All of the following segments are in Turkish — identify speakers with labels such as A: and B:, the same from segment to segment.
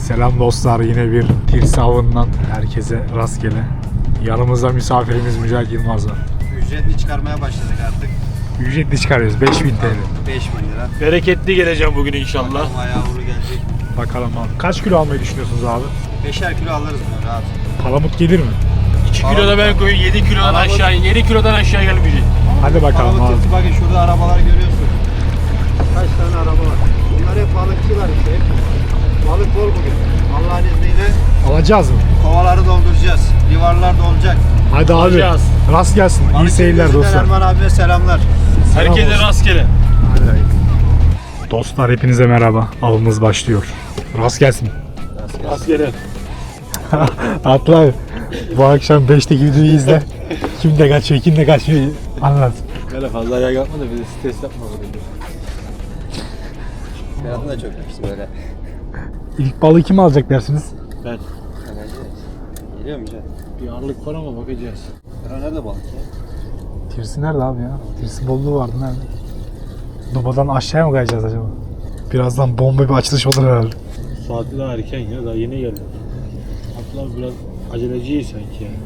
A: Selam dostlar, yine bir tirsi avından herkese rastgele. Yanımızda misafirimiz Mücahit Yılmaz var.
B: Ücretli çıkarmaya başladık artık.
A: Ücretli çıkarıyoruz, 5000 TL.
B: 5000 lira.
C: Bereketli geleceğim bugün inşallah.
B: Bakalım ayağı uğru gelecek.
A: Bakalım abi. Kaç kilo almayı düşünüyorsunuz abi?
B: 5'er kilo alırız bunu rahat.
A: Palamut gelir mi?
C: 2 kilo da ben koyayım, 7 kilodan aşağı, 7 kilodan aşağı gelmeyecek.
A: Hadi bakalım
B: Palamut
A: abi.
B: tırtı, bakın şurada arabalar görüyorsun. Kaç tane araba var. Bunlar hep balıkçılar işte. Balık bol bugün. Allah'ın izniyle
A: Alacağız mı?
B: kovaları dolduracağız. Livarlar dolacak.
A: Hadi abi.
C: Alacağız.
A: Rast gelsin. İyi
B: Balık
A: seyirler
B: Denizli'den
A: dostlar.
B: Erman abime selamlar.
C: Herkese
A: olsun.
C: rastgele.
A: Dostlar hepinize merhaba. Avımız başlıyor. Rast gelsin.
C: Rastgele.
A: Atla abi. Bu akşam 5'teki videoyu izle. Kim de kaçıyor, kim de kaçmıyor anlat.
C: Böyle fazla ayağa kalkma da bizi stres yapma.
B: Berat'ın da çok yapısı böyle.
A: İlk balığı kim alacak dersiniz?
C: Ben.
B: Geliyor mu Can?
C: Bir ağırlık var ama bakacağız.
B: Berat nerede balık ya?
A: Tirsi nerede abi ya? Tirsi bolluğu vardı nerede? Dubadan aşağıya mı kayacağız acaba? Birazdan bomba bir açılış olur herhalde.
C: Saati daha erken ya, daha yeni geldi. Hatta biraz aceleciyiz sanki ya.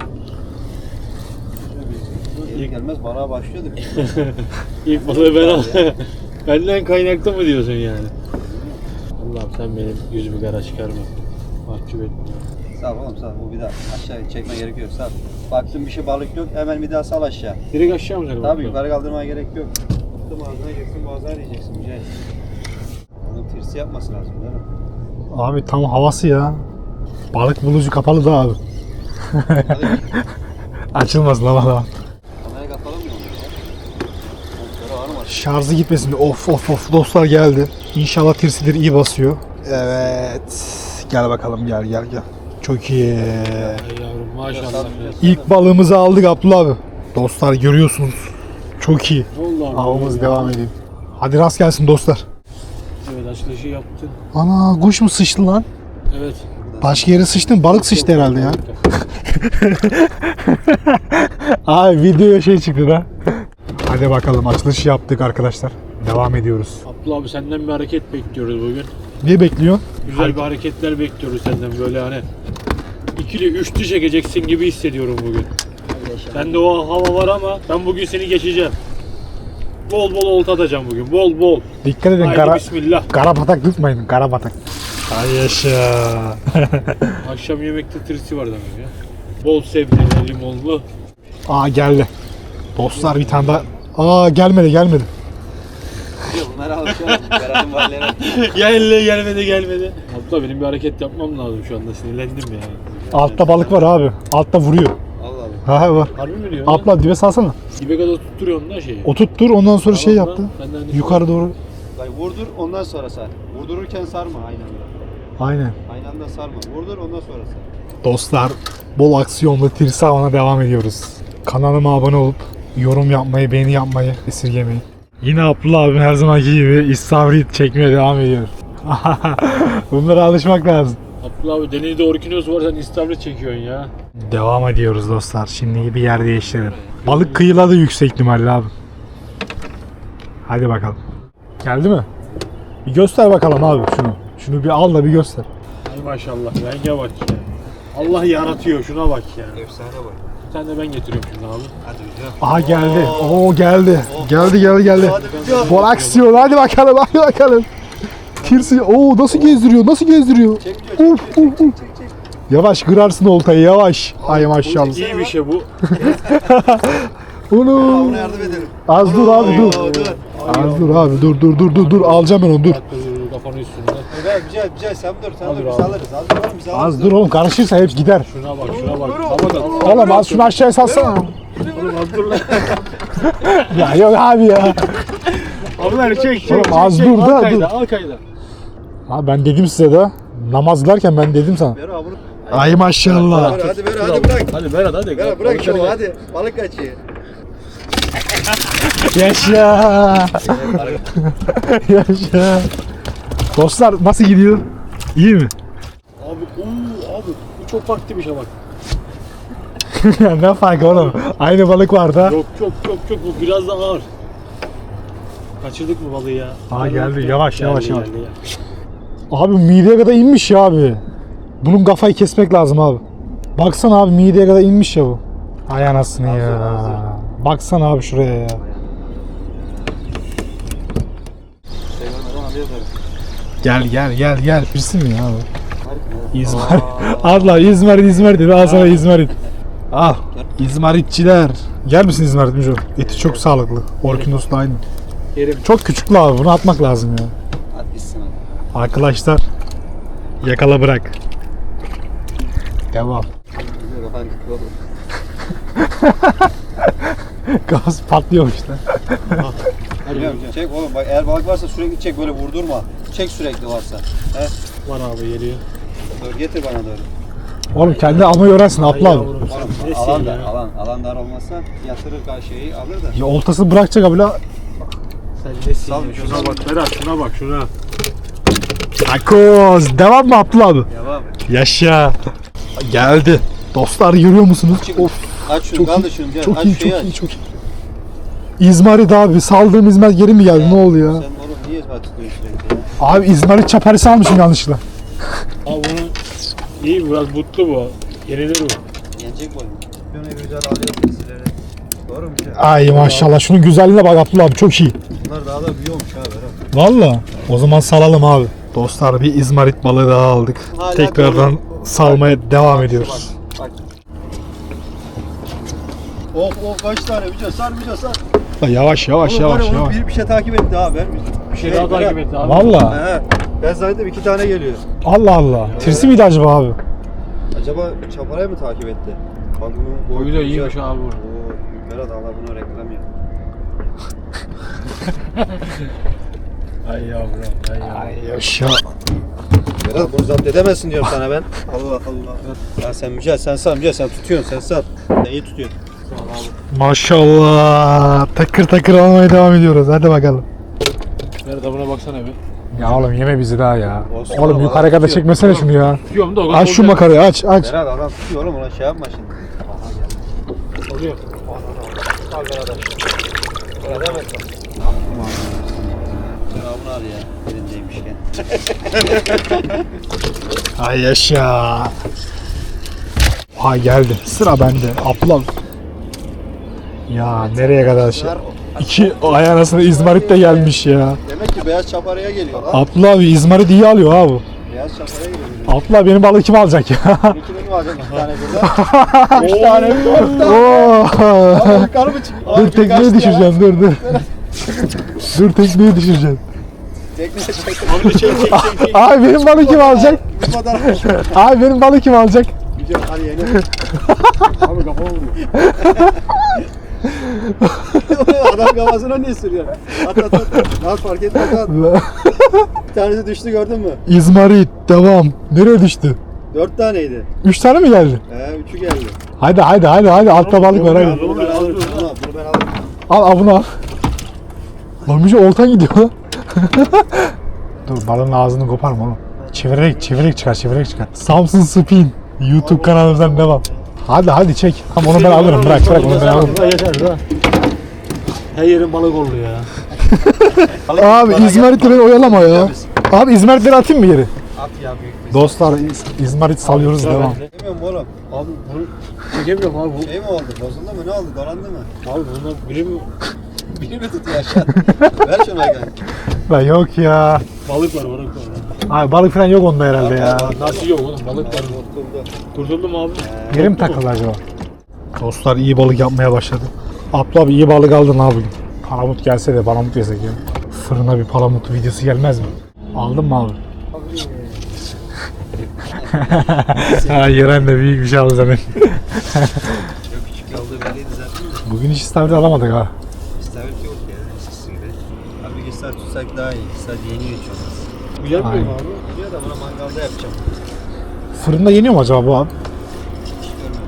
B: Gelir gelmez balığa başlıyorduk.
C: İlk balığı ben al. Benden kaynaklı mı diyorsun yani? Allah'ım sen benim yüzümü kara çıkarma. Mahcup etme.
B: Sağ ol oğlum sağ ol. Bu bir daha aşağı çekme gerek yok sağ ol. Baktın bir şey balık yok hemen bir daha sal aşağı.
C: Direkt aşağı mı seni?
B: Tabii yukarı kaldırmaya gerek yok. Baktım ağzına girsin boğazına diyeceksin Mücahit. Onun tirsi yapması lazım değil mi?
A: Abi tam havası ya. Balık bulucu kapalı da abi.
B: Hadi
A: Açılmasın ama da.
B: kamerayı kapalı mı oluyor ya? Montları var mı?
A: Şarjı gitmesin. Of dostlar geldi. İnşallah tirsidir iyi basıyor. Evet. Gel bakalım gel. Çok iyi.
C: Ay yavrum maşallah.
A: İlk balığımızı aldık Abdullah abi. Dostlar görüyorsunuz. Çok iyi.
C: Allah'ım.
A: Avımız devam ediyor. Hadi rast gelsin dostlar.
C: Evet açılışı yaptın.
A: Ana kuş mu sıçtı lan?
C: Evet.
A: Başka yere sıçtın, balık sıçtı herhalde ya. Abi videoya şey çıktı da. Hadi bakalım açılış yaptık arkadaşlar. Devam ediyoruz.
C: Abdullah abi senden bir hareket bekliyoruz bugün.
A: Ne bekliyorsun?
C: Güzel bir hareketler bekliyoruz senden böyle hani ikili üçlü çekeceksin gibi hissediyorum bugün. Sende o hava var ama ben bugün seni geçeceğim. Bol bol olta atacağım bugün. Bol bol.
A: Dikkat edin
C: Haydi bismillah.
A: kara batak tutmayın. Kara batak. Ay yaşa.
C: Akşam yemekte tirsi var demek ya. Bol sebzeli, limonlu.
A: Aa geldi. Dostlar bir tane daha. Aa gelmedi.
B: Bunları alışalım. Berat'ın valilere.
C: gelmedi. Abdullah benim bir hareket yapmam lazım şu anda. Sinirlendim ya.
A: Altta balık var abi. Altta vuruyor.
B: Allah Allah.
A: Ha var.
C: Harbi mi diyorsun?
A: Atla dibe salsana.
C: Dibe kadar tutturuyorsun da şeyi.
A: O tuttur ondan sonra şey
C: Tamam
A: yaptı.
C: lan, ben de hani
A: Yukarı doğru.
B: Bak vurdur ondan sonra sar. Vurdururken sarma aynı anda.
A: Aynen.
B: Aynı anda sarma. Vurdur ondan sonra sar.
A: Dostlar bol aksiyonlu tirsi avına devam ediyoruz. Kanalıma abone olup yorum yapmayı, beğeni yapmayı esirgemeyin. Yine Abdullah abim her zamanki gibi istavrit çekmeye devam ediyor. Bunlara alışmak lazım.
C: Abdullah abi denizde orkinos var sen istavrit çekiyorsun ya.
A: Devam ediyoruz dostlar. Şimdi bir yer değiştirelim. Balık kıyıladı yüksek ihtimalle abi. Hadi bakalım. Geldi mi? Bir göster bakalım abi şunu. Şunu bir al da bir göster.
C: Ay maşallah renge bak ya. Allah yaratıyor şuna bak ya.
B: Efsane bak.
C: Bir tane de ben getiriyorum şimdi abi.
B: Hadi hocam.
A: Aha geldi. Oo geldi. Geldi.
B: Hadi
A: Bol aksiyon. Hadi bakalım. Tirsi. Oo nasıl gezdiriyor?
B: Çek diyor. Çek.
A: Yavaş kırarsın oltayı yavaş. Ay maşallah.
C: İyi bir şey bu.
A: Onu.
B: Ona yardım edelim.
A: Az dur abi dur.
B: Oo, dur.
A: Az dur abi dur. Alacağım ben onu dur.
C: Kafanın üstünde.
B: Evet güzel sen dur
C: Hadi
B: biz
C: abi.
B: alırız. Biz alırız.
A: Az dur oğlum karışırsa hep gider.
C: Şuna bak. Havadan.
A: Oğlum az şunu aşağıya salsana.
C: Oğlum az dur lan.
A: Ya yok abi ya.
C: Abi çek.
A: Oğlum az dur da dur.
C: Al kayda.
A: Ha ben dedim size de. Namaz kılarken ben dedim sana.
B: Ver abi bunu.
A: Ay maşallah.
B: Hadi bırak.
C: Hadi Berat hadi.
B: Ver bırak şunu hadi. Balık kaçıyor.
A: Yaşa. Yaşa. Dostlar nasıl gidiyor? İyi mi?
C: Abi bu çok farklı bir şey bak.
A: Ne farkı oğlum? Aynı balık var da.
C: Yok bu biraz daha ağır. Kaçırdık mı balığı ya?
A: Aa geldi yavaş.
C: Geldi ya.
A: Abi mideye kadar inmiş ya abi. Bunun kafayı kesmek lazım abi. Baksana abi mideye kadar inmiş ya bu. Ay anasını ya.
B: hazır.
A: Baksana abi şuraya ya. Gel. Pirsin mi ya abi? İzmarit. Allah İzmarit dedi. Al sana İzmarit. Al. İzmaritçiler. Gel misin İzmarit Müco? Eti çok sağlıklı. Orkinos'la aynı.
C: Yerim.
A: Çok küçüklü abi. Bunu atmak lazım ya.
B: Hadi gitsin hadi.
A: Arkadaşlar. Yakala bırak. Devam. Gaz patlıyor işte.
B: Biliyorum, çek oğlum bak eğer balık varsa sürekli çek böyle vurdurma. Çek sürekli varsa. He?
C: Var abi geliyor.
B: Dur getir bana doğru.
A: Oğlum kendi almayı öğrensin Abla abi.
C: Yavrum sen
B: Oğlum
C: nesin
B: alan
C: ya?
B: dar, alan dar olmazsa yatırır karşıyı alır da.
A: Ya oltası bırakacak abi la.
C: Sen nesin
B: Sal
C: ya?
B: bir
C: Şuna
B: sal.
C: bak Berat, şuna bak şuna.
A: Takoz. Devam mı Abdullah abi?
B: Devam.
A: Yaşa. Geldi. Dostlar görüyor musunuz? Of.
B: Aç şunu
A: Çok
B: kaldır
A: iyi.
B: şunu. Gel.
A: Çok
B: aç
A: iyi,
B: şeyi
A: çok
B: aç.
A: iyi, çok iyi. İzmarit abi. Saldığım İzmarit geri mi geldi? Ne oldu ya?
B: Sen oğlum niye izmarit tutuyorsun sürekli ya?
A: Abi İzmarit çaparisi almışım yanlışlıkla.
C: Abi bunu iyi, biraz mutlu bu. Yenilir bu.
B: Yenecek boyun. Şunu güzel alıyorsun sizlere. Doğru mu?
A: Ay maşallah. Şunun güzelliğine bak Abdullah abi. Çok iyi.
B: Bunlar daha da büyüyormuş ha Berat.
A: Valla. O zaman salalım abi. Dostlar bir İzmarit balığı daha aldık.
B: Hala
A: Tekrardan
B: dolu.
A: salmaya devam ediyoruz.
B: Bak. Of kaç tane Müco sar Müco sar.
A: Yavaş
B: Oğlum var ya,
A: yavaş.
B: onu bir şey takip etti ha ben.
C: Bir şey daha takip et abi.
A: Valla.
B: He. Ben zannettim 2 tane geliyor.
A: Allah Allah. Tirsi miydi acaba abi?
B: Acaba çaparayı mı takip etti? Bak bunun
C: Boyu da iyiymiş
B: güzel.
C: abi bu.
B: Oo, Berat Allah bunu reklam yap.
C: Ay yavrum, ay yavrum.
A: Ay yaşa.
B: Berat bunu zapt edemezsin diyorum sana ben. Allah Allah. Ya sen Mücahit sen sar Mücahit sen tutuyorsun sen sar. Sen iyi tutuyorsun.
A: Maşallah. Takır takır almaya devam ediyoruz. Hadi bakalım.
C: Berat buna baksana bir.
A: Ya oğlum yeme bizi daha ya.
B: Olsun
A: Oğlum
B: oğlum,
A: yukarı
B: adam
A: kadar
B: tutuyor.
A: çekmesene şunu ya.
C: Tutuyorum da o
A: Aç şu makarayı aç.
B: Berat adam tutuyor oğlum ona şey yapma şimdi.
C: Oluyor.
B: Al Berat aç. Berat hemen sar. Sen al bunu al ya. Elindeymişken.
A: Ay yaşa. Ha geldi. Sıra bende. Ablam. Ya nereye kadar şey. İki ay anasını İzmarit de gelmiş ya.
B: Demek ki beyaz çaparaya geliyor lan.
A: Abdullah abi İzmarit iyi alıyor ha bu.
B: Beyaz çaparaya geliyor.
A: Abdullah benim balığı kim alacak ya?
B: İkini mi alacak 2 tane birden? 3 tane mi? 4 tane.
A: Oo.
B: Yukarı mı çıkıyor?
A: Dur tekneyi düşüreceğim dur. Dur tekneyi düşüreceğim.
B: Tekne çek.
C: Abi çek.
A: Abi benim balığı kim alacak?
B: Bu kadar.
A: Abi benim balığı kim alacak?
B: Güzel hadi yeni.
C: Abi kafama vuruyor.
B: Adam kafasına niye sürüyor? At. Lan fark etme at. Bir tanesi düştü gördün mü?
A: İzmarit devam. Nereye düştü?
B: 4 taneydi.
A: 3 tane mi geldi?
B: 3'ü geldi.
A: Hadi altta balık var hadi.
B: Bunu ben alırım. Bunu ben alırım.
A: Al bunu al. Lan bir şey oltan gidiyor lan. Dur balığın ağzını koparma oğlum. Çevirerek çıkar. Samsun Spin YouTube kanalımızdan devam. Hadi çek. Tamam onu ben alırım. Bırak onu ben alırım.
C: Yeter ha. Her yerin balık oldu ya.
A: Abi İzmarit'i beni oyalama ya. Abi İzmarit'leri atayım mı geri?
B: At ya büyük bir.
A: Dostlar İzmarit salıyoruz devam.
B: Bilmiyorum oğlum.
C: Abi bunu çekemiyorum abi bu.
B: Şey mi oldu? Bozuldu mu? Ne oldu? Dolandı mı?
C: Abi bundan biri mi?
B: Biri mi tutuyor aşağı? Ver şuna gel.
A: Ben yok ya.
C: Balık var.
A: Abi balık falan yok onda herhalde ya.
C: Nasıl yok oğlum, balık var.
B: Kurtuldu.
C: Kurtuldum abi.
A: Yeri mi takıldı acaba? Dostlar iyi balık yapmaya başladı. Abdullah abi iyi balık aldın abi bugün. Palamut gelse de palamut yesek ya. Fırına bir palamut videosu gelmez mi? Aldın mı abi? Ha Yeren de büyük bir şey aldı zaten.
B: Çok küçük olduğu belliydi zaten de.
A: Bugün hiç istavrit alamadık ha.
B: İstavrit yok ya. Eskisi gibi. Abi istavrit tutsak daha iyi. Sadece yeniyor hiç olmaz.
C: Bu yapmıyor mu
A: Aynen.
C: abi?
B: Diyor da buna mangalda yapacağım.
A: Fırında yeniyor mu acaba bu abi?
B: Hiç görmedim.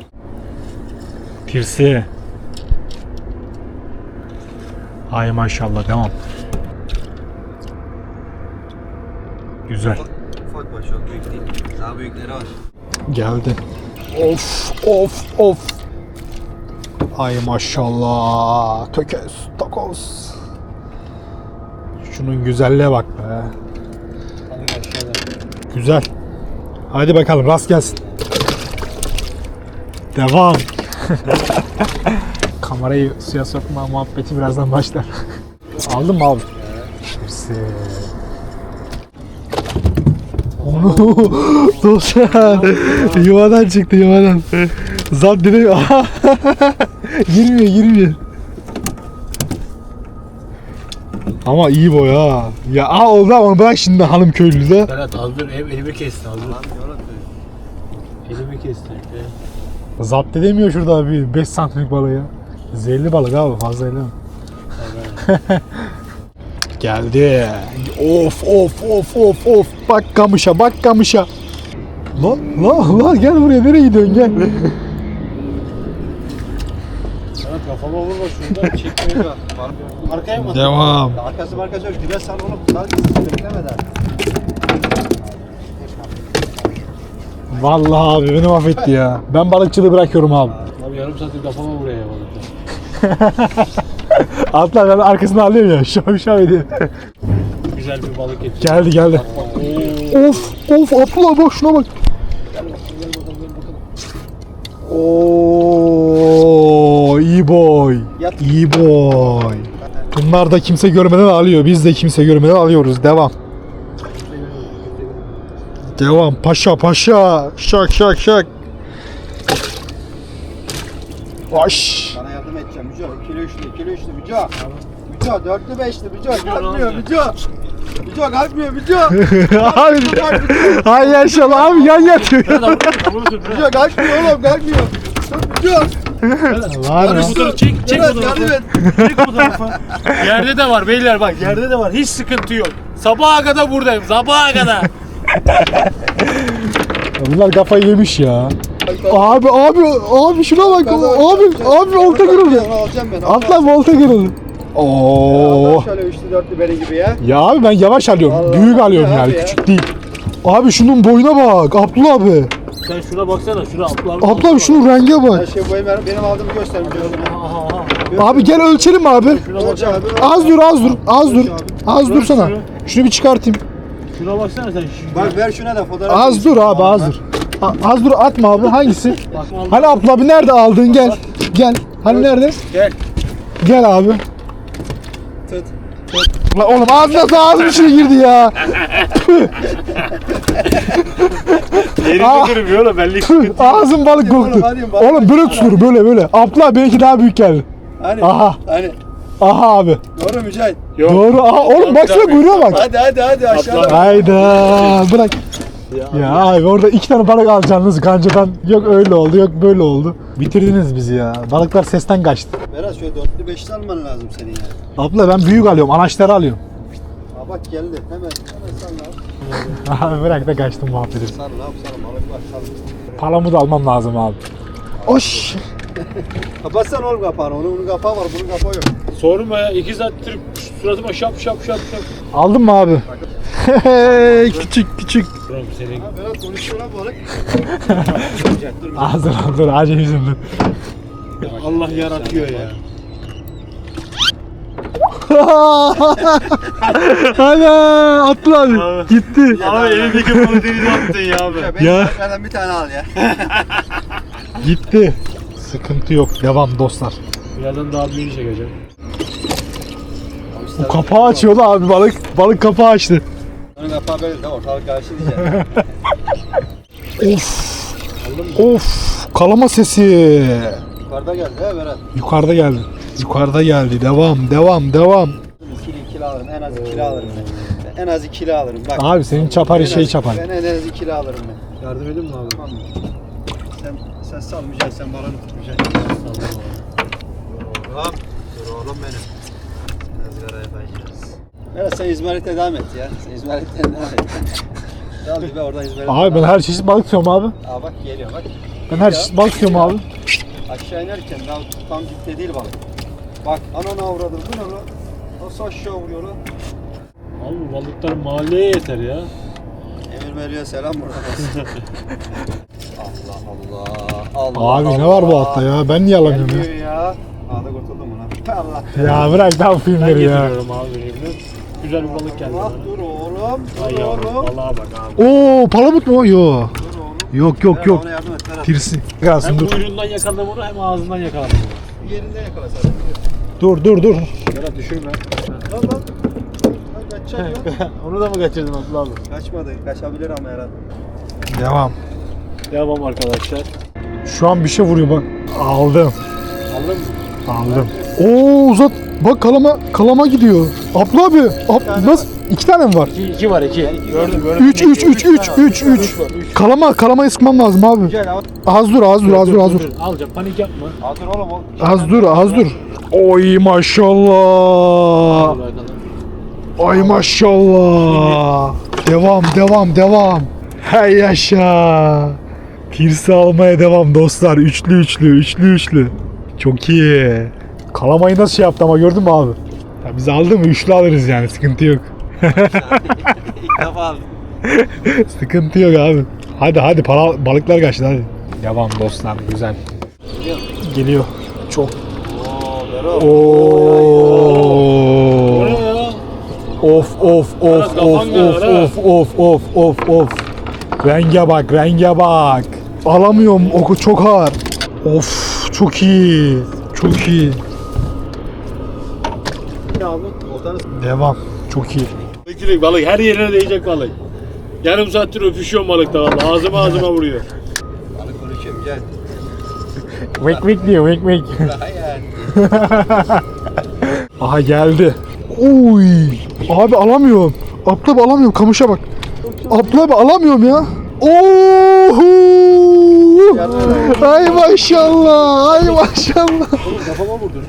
A: Tirsi. Ay maşallah devam. Güzel.
B: Ufak var çok büyük değil. Daha büyükleri var.
A: Geldi. Of. Ay maşallah. Tökez, takoz. Şunun güzelliğe bak be.
B: Alın aşağı.
A: Güzel. Hadi bakalım rast gelsin. Devam. Kamerayı suya sokma muhabbeti birazdan başlar. Aldın mı abi? Hepsi. Onu dostlar yuvadan çıktı yuvadan. Zat direkt girmiyor. Ama iyi boy ha. Ya oldu ama onu bırak şimdi hanım köylü de.
C: Berat az dur elimi kesti az dur. Elimi kesti.
A: Zapt edemiyor şurada abi 5 santimlik balığı ya. Zehirli balık abi fazla elleme. Geldi. Of. Bak kamışa. Lan gel buraya nereye gidiyorsun gel.
C: Berat kafama vurma şuradan çekmeye bak. Arkaya mı?
A: Devam.
B: Arkası yok. Güneş sal oğlum. Sadece beklemeden.
A: Vallahi abi beni mahvetti ya. Ben balıkçılığı bırakıyorum abi.
C: Abi yarım saattir kafama vuruyor ya balıkta.
A: Atla ben arkasını alıyorum ya. Şov ediyor.
C: Güzel bir balık getir.
A: Geldi. Of Abdullah bak şuna bak. Oo iyi boy. İyi boy. Bunlar da kimse görmeden alıyor. Biz de kimse görmeden alıyoruz. Devam. Paşa. Şak. Baş.
B: Sana yardım edeceğim Müco. İkili üçlü Müco. Müco dörtlü beşli Müco. Kalkmıyor Müco. Müco kalkmıyor Müco.
A: Abi. Hay yaşa abi yan yatıyor.
B: Müco kalkmıyor oğlum kalkmıyor. Müco.
A: Var ya.
C: Fotoğrafı çek
B: Yardım
C: fotoğrafı.
B: et.
C: Çek fotoğrafı. Yerde de var beyler bak yerde de var. Hiç sıkıntı yok. Sabaha kadar buradayım. Sabaha kadar.
A: Bunlar kafayı yemiş ya. Abi şuna bak. Abi olta kırıldı.
B: Onu alacağım ben.
A: Atla olta kırıldı. Oo.
B: Şöyle üçlü dörtlü beri gibi ya.
A: Ya abi ben yavaş alıyorum.
B: Vallahi
A: Büyük alıyorum
B: abi
A: yani.
B: ya.
A: Küçük değil. Abi şunun boyuna bak. Abdullah abi.
C: Sen şuna baksana. Şuna
A: Abdullah abi şunun renge
B: Her
A: bak.
B: şey benim aldığımı göster Müco.
A: Abi gel ölçelim abi.
C: Şuna
B: Ölç
C: baksana.
B: abi.
A: Az dur sana. Şunu bir çıkartayım.
C: Şuna baksana sen.
B: Bak ver şuna da fotoğraf.
A: Az dur abi az dur. Az dur atma abi hangisi?
C: Bakma
A: Hani Abdullah abi nerede aldın gel. Hani nerede?
C: Gel.
A: Gel abi.
B: Tut.
A: Lan oğlum ağzım içine girdi ya.
C: Yerinde durmuyor oğlum belli.
A: Ağzım balık koktu. Oğlum böyle tutulur böyle. Abdullah benimki daha büyük geldi.
B: Hani?
A: Aha.
B: Hani?
A: Aha abi.
B: Doğru Mücahit.
C: Yok.
A: Doğru. Aha oğlum baksana kuyruğa bak.
B: Hadi aşağıda.
A: Hayda bırak. Ya abi orada 2 tane balık alacaksınız kancadan. Yok öyle oldu yok böyle oldu. Bitirdiniz bizi ya. Balıklar sesten kaçtı.
B: Biraz şöyle dörtlü beşli alman lazım senin ya.
A: Abla ben büyük alıyorum. Anaçları alıyorum.
B: Aa bak geldi. Hemen salla.
A: Abi bırak da kaçtım muhabbeti.
B: Salla balık var salla.
A: Palamı da almam lazım abi. Oş.
B: Kapatsana oğlum kapağını. Onun kapağı var, bunun kapağı yok.
C: Sorma ya 2 saattir suratıma şap.
A: Aldın mı abi? küçük.
C: Buram senin.
B: Ha Berat konuşuyor lan balık.
A: Dur acı yüzümden.
C: Allah yaratıyor ya.
A: Hadi atla abi. Gitti.
C: Abi elimdeki balı denize attın ya abi.
B: Ya benim balıklardan bir tane al ya.
A: Gitti. Sıkıntı yok. Devam dostlar.
C: Birazdan daha büyüğünü çekeceğim.
A: Bu kapağı açıyordu abi balık. Balık kapağı açtı.
B: Onun kapağı böyle de ortalık karşı diyeceğim.
A: Of. Kalama sesi.
B: Yukarıda geldi he Berat.
A: Yukarıda geldi. Devam.
B: İkili alırım. En az ikili alırım ben. En az ikili alırım. Bak.
A: Abi senin çapar çapar.
B: Ben en az ikili alırım ben.
C: Yardım edin mi abi?
B: Tamam mı? Sen sal Mücahit, sen balonu tut Mücahit. Dur oğlum benim. Izgara yapacağız. Berat sen İzmarit'e devam et ya. Sen İzmarit'e devam et. Dal bir oradan İzmarit'e.
A: Abi ben her çeşit balık tutuyorum abi.
B: Aa bak geliyor bak.
A: Ben her çeşit balık tutuyorum abi.
B: Aşağı inerken daha tam dipte değil balık. Bak ananı avradım bu ne lan? Nasıl aşağı vuruyor lan?
C: Abi balıklar mahalleye yeter ya.
B: Emir Meli'ye selam buradan. Allah.
A: Abi ne var bu hatta ya? Ben niye alamıyorum ya?
B: Gelmiyor ya. Aa da kurtuldum buna. Allah.
A: Ya bırak ne yapayım
C: Ben
A: ya.
C: getiriyorum abi benimle. Güzel bir balık geldi
B: Allah
C: bana.
B: dur oğlum. oğlum.
C: Ay
B: Dur
C: yavrum.
B: oğlum.
C: Vallahi bak abi.
A: Oo palamut mu? Yo.
B: Dur oğlum.
A: Yok yok
B: Berat,
A: yok.
B: ona yardım et Berat.
A: Tirsi.
C: Hem
A: Kalsın dur.
C: kuyruğundan yakaladım onu hem ağzından yakaladım onu.
B: Bir yerinde yakala sen.
A: Dur dur dur.
C: Berat düşürme.
B: Lan lan. Lan kaçacak ya.
C: Onu da mı kaçırdın Abdullah abi?
B: Kaçmadı. Kaçabilir ama herhalde.
A: Devam.
C: Devam arkadaşlar.
A: Şu an bir şey vuruyor bak. Aldım.
C: Aldın mı?
A: Aldım. Oo uzat. Bak kalama gidiyor. Abla abi. Nasıl? 2 tane mi var?
C: 2 var 2. Gördüm.
A: 3. Kalamayı sıkmam lazım abi.
B: Gel al.
A: Az dur.
C: Alacağım panik yapma.
B: Al dur oğlum.
A: Az dur. Oy maşallah.
C: Hadi bakalım.
A: Ay maşallah. Devam. Hey yaşa. Pirsi almaya devam dostlar. Üçlü. Çok iyi. Kalamayı nasıl şey yaptı ama gördün mü abi? Ya biz aldı mı üçlü alırız yani sıkıntı yok.
B: İlk defa aldım.
A: Sıkıntı yok abi. Hadi balıklar kaçtı hadi. Devam dostlar güzel. Geliyor. Çok.
B: Oo Berat.
C: O
A: Oo.
C: ne ya?
A: Of. Renge bak. Alamıyorum oku çok ağır. Of çok iyi.
B: Ne abi? Oltanı
A: Devam. Çok iyi.
C: Bekleyin balık her yerine değecek balık. Yarım saattir öpüşüyorum balıkta vallahi. Ağzıma vuruyor.
B: balık konuşuyorum gel.
A: Vek diyor vek.
B: Hayır.
A: Aha geldi. Oy. Abi alamıyorum. Abla abi alamıyorum. Kamışa bak. Abla abi alamıyorum ya. Oho. Ay maşallah.
C: Oğlum kafama vurdun.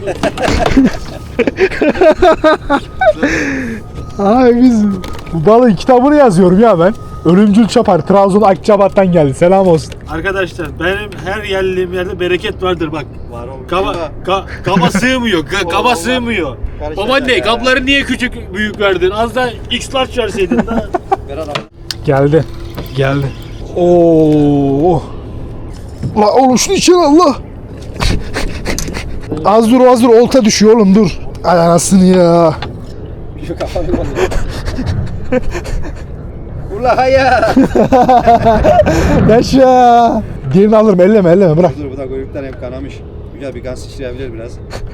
A: Ay biz bu balığın kitabını yazıyorum ya ben. Ölümcül Çapar, Trabzon Akçabat'tan geldi. Selam olsun.
C: Arkadaşlar benim her geldiğim yerde bereket vardır bak.
B: Var oğlum.
C: Kaba sığmıyor. Kaba sığmıyor.
B: Karışacak
C: Babaanne
B: ya.
C: kapları niye küçük büyük verdin? Az da X large verseydin de.
B: Berat abi.
A: Geldi. Oo. La oğlum şunu içeri Allah. Az dur olta düşüyor oğlum dur. Ay anasını ya.
B: Şu kafanı basıyor. Ula hayır.
A: Yaşa. Diğerini alırım elleme bırak.
B: Dur bu da kuyruktan hep kanamış. Güzel bir kan sıçrayabilir biraz.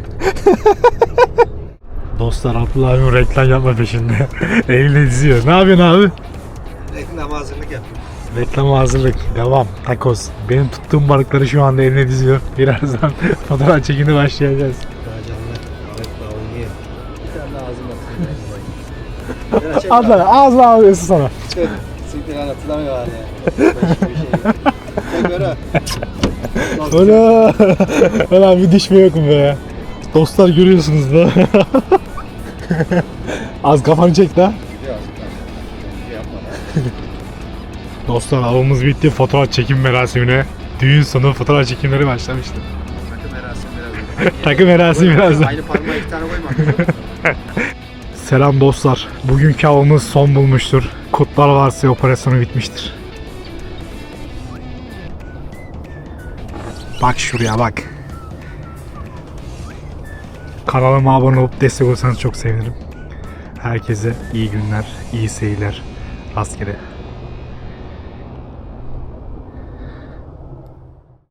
A: Dostlar Abdullah abim reklam yapma peşinde. Elini diziyor. Ne yapıyorsun abi?
B: Reklam hazırlık yap.
A: Reklam hazırlık. Devam. Takos. Benim tuttuğum balıkları şu anda eline diziyor. Birazdan fotoğraf çekimine başlayacağız. Ağzına alıyorsun sana.
B: Siktir lan hatırlamıyor var ya. Başka bir şey. Çek Berat.
A: Ulan bir dişme yok mu be? Dostlar görüyorsunuz da. Az kafanı çek de.
B: Gidiyor aslında. Yapma lan.
A: Dostlar avımız bitti. Fotoğraf çekim merasimine. Düğün sonu fotoğraf çekimleri başlamıştı.
B: Takım merasimi biraz.
A: Takım merasimi birazdan.
B: Aynı parmağa 2 tane koyma.
A: Selam dostlar. Bugünkü avımız son bulmuştur. Kutlar Varsa operasyonu bitmiştir. Bak şuraya bak. Kanalıma abone olup destek olursanız çok sevinirim. Herkese iyi günler, iyi seyirler. Rastgele.